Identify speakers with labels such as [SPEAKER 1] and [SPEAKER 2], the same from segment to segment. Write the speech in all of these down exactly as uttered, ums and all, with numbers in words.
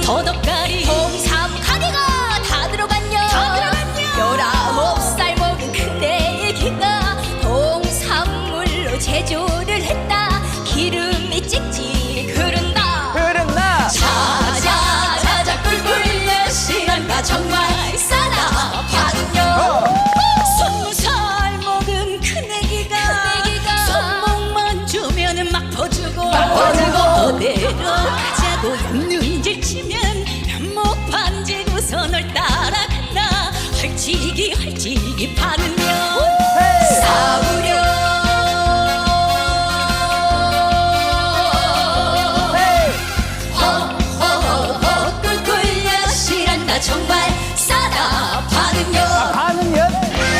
[SPEAKER 1] 더덕가리 홍삼 가게가 다 들어갔냐 다 들어갔냐 열아홉 살 먹은 큰애기가 홍삼물로 제조를 했다 기름이 찍찍 흐른다
[SPEAKER 2] 흐른다
[SPEAKER 1] 자자 자자 꿀꿀 시간가 정말 싸다 파는요 스무살 먹은 큰애기가 손목만 주면은 막 퍼주고
[SPEAKER 2] 막 퍼주고
[SPEAKER 1] 어디로 가자고 눈질 치면 목 반지고서 널 따라간다 헐찍이 헐찍이 파는요 싸구려 허허허 꿀꿀 여실한다 정말 싸다 파는요
[SPEAKER 2] 가는 연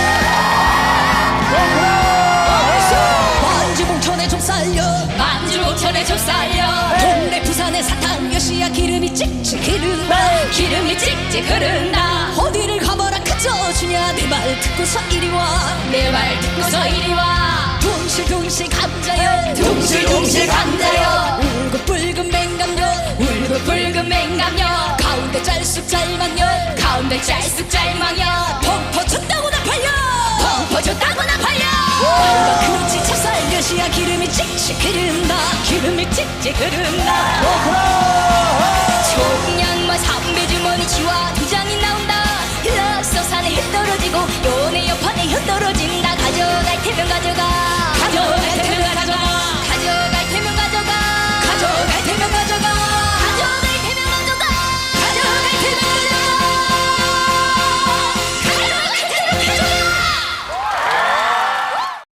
[SPEAKER 1] 만주공천에 좀 살려 만주공천에 좀 살려 동네 부산의 사탕 여시야 기름이 찍찍 흐른다 기름이 찍찍 흐른다 어디를 가봐라 그저 주냐 내 말 듣고서 이리 와내 말 듣고서 이리 와 둥실둥실 감자여 둥실둥실 감자여 울긋불긋 맹감여 울긋불긋 맹감여 가운데 짤쑥 짤망여 가운데 짤쑥 짤망여 펑퍼줬다고 나 팔려 펑퍼줬다고 나 팔려 그렇지 찹쌀 여시야 기름이 찍찍 흐른다 기름이 찍찍 흐른다 총량만 삼배 주머니 쥐와 두 장이 나온다